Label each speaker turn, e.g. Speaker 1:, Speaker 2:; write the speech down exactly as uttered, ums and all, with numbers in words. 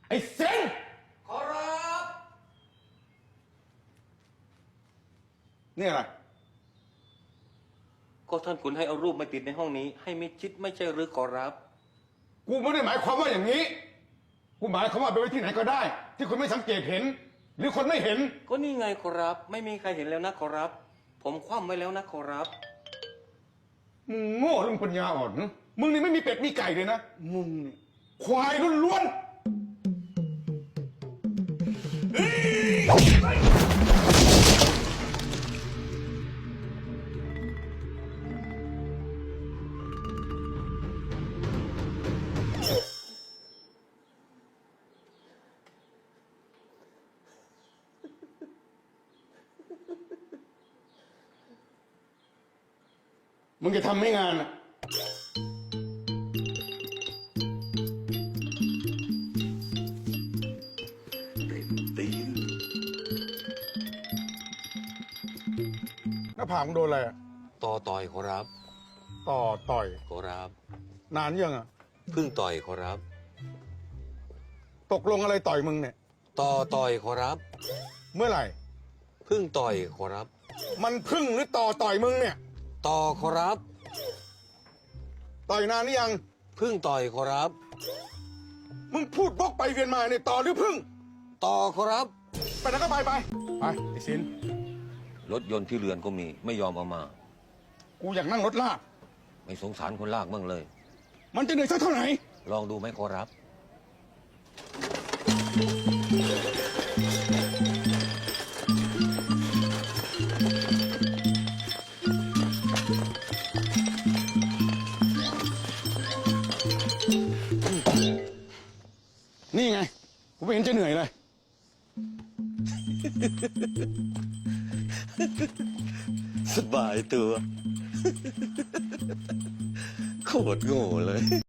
Speaker 1: ไอ้เซน
Speaker 2: ขอรับ
Speaker 1: นี่อะไร
Speaker 2: ก็ท่านขุนให้เอารูปมาติดในห้องนี้ ให้มิดชิดไม่ใช่หรือขอรับ
Speaker 1: กูไม่ได้หมายความว่าอย่างนี้ กูหมายความว่าไปไว้ที่ไหนก็ได้ ที่คนไม่สังเกตเห็น หรือคนไม่เห็น
Speaker 2: ก็นี่ไงขอรับ ไม่มีใครเห็นแล้วนะขอรับ ผมคว่ำไว้แล้วนะขอรับ
Speaker 1: มึงโง่หรือมึงปัญญาอ่อนนะมึงนี่ไม่มีเป็ดมีไก่เลยนะ มึงนี่ควายล้วนๆมึงจะทำไม่งานอ่ะ
Speaker 2: ตีน
Speaker 1: หน้าผากมึงโดนอะไรอ่ะ
Speaker 2: ต่อต่อยขอรับ
Speaker 1: ต่อต่อย
Speaker 2: ขอรับ
Speaker 1: นานยังอ่ะ
Speaker 2: พึ่งต่อยขอรับ
Speaker 1: ตกลงอะไรต่อยมึงเนี่ย
Speaker 2: ต่อต่อยขอรับ
Speaker 1: เมื่อไหร่
Speaker 2: พึ่งต่อยขอรับ
Speaker 1: มันพึ่งหรือต่อต่อยมึงเนี่ย
Speaker 2: ต่อขอรับ
Speaker 1: ต่อยนานหรือยัง
Speaker 2: พึ่งต่อยขอรับ
Speaker 1: มึงพูดบกไปเวียนมาเนี่ยต่อหรือพึ่ง
Speaker 2: ต่อขอรับ
Speaker 1: ไปไหนก็ไปไป ไปไอ้สิน
Speaker 2: รถยนต์ที่เรือนก็มีไม่ยอมเอามา
Speaker 1: กูอยากนั่งรถลาก
Speaker 2: ไม่สงสารคนลากบ้างเลย
Speaker 1: มันจะเหนื่อยสักเท่าไหร่
Speaker 2: ลองดูไหมขอรับ
Speaker 1: นี่ไง กูไม่เห็นจะเหนื่อยเลย
Speaker 2: สบายตัว โคตรโง่เลย